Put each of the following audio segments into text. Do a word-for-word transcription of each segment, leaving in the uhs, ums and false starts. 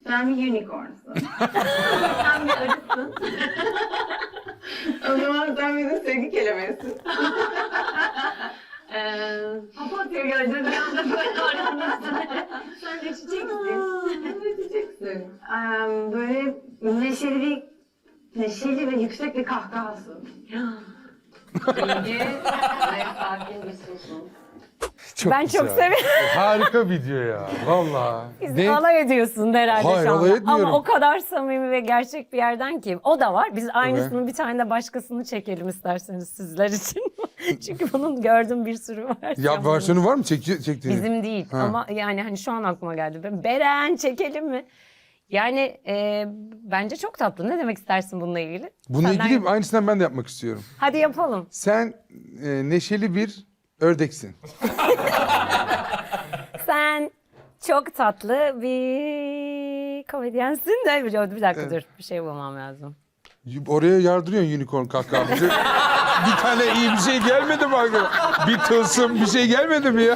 Sen bir unicornsun. Sen bir arısın. O zaman sen bir de sevgi kelebeğisin. Eee, papatya gözü bir anda böyle oranlasın. Sen de çiçeksin. Sen de çiçeksin. Eee, böyle neşeli bir, neşeli ve yüksek bir kahkahasın. İlgi ve sakin bir susun. Çok Ben güzel. çok seviyorum. Harika video ya. Vallahi. Biz alay ediyorsun herhalde Hayır, şu anda. alay etmiyorum. Ama o kadar samimi ve gerçek bir yerden ki. O da var. Biz aynısını bir tane de başkasını çekelim isterseniz sizler için. Çünkü bunun gördüğüm bir sürü var. Ya versiyonu var mı çek çektiğini? Bizim değil Ha. ama yani hani şu an aklıma geldi. Ben, Beren çekelim mi? Yani e, bence çok tatlı. Ne demek istersin bununla ilgili? Bununla Senden- ilgili aynısından ben de yapmak istiyorum. Hadi yapalım. Sen e, neşeli bir ördeksin. Sen çok tatlı bir komedyensin de bir, bir dakika dur bir şey bulmam lazım. Oraya yardırıyorsun unicorn kahkaha. Bir, bir tane iyi bir şey gelmedi mi aklına? Bir tılsım bir şey gelmedi mi ya?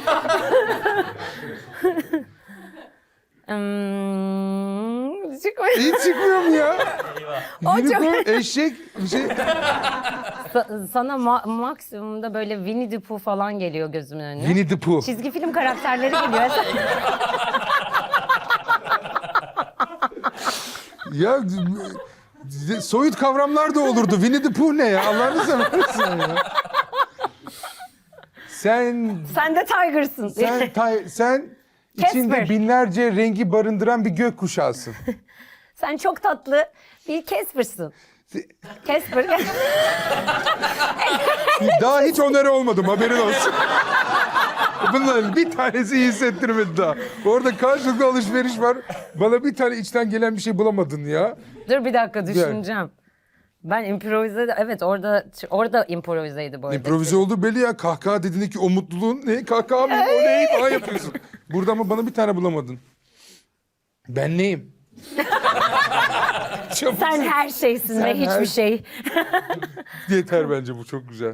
Hmm, çıkmıyor. Hiç çıkmıyor mu ya? O çok- Unicorn, eşek bir şey. Sa- sana ma- maksimumda böyle Winnie the Pooh falan geliyor gözümün önüne. Winnie the Pooh. Çizgi film karakterleri geliyor. Ya e, soyut kavramlar da olurdu. Winnie the Pooh ne ya? Allah'ını seversen ya. Sen Sen de Tiger'sın. sen tay- sen içinde Casper. binlerce rengi barındıran bir gökkuşağısın. Sen çok tatlı bir Casper'sın. Casper. Daha hiç onarı olmadım haberin olsun. Bunların bir tanesi iyi hissettirmedi daha. Orada karşılıklı alışveriş var. Bana bir tane içten gelen bir şey bulamadın ya. Dur bir dakika düşüneceğim. Ben improvize evet orada orada improvizeydi bu arada. İmprovize oldu belli ya. Kahkaha dediğinde ki o mutluluğun ne? Kahkaha mı? O neyi falan yapıyorsun. Burada ama bana bir tane bulamadın. Ben neyim? Çabuk Sen her şeysin Sen ve hiçbir her- şey. yeter bence bu çok güzel.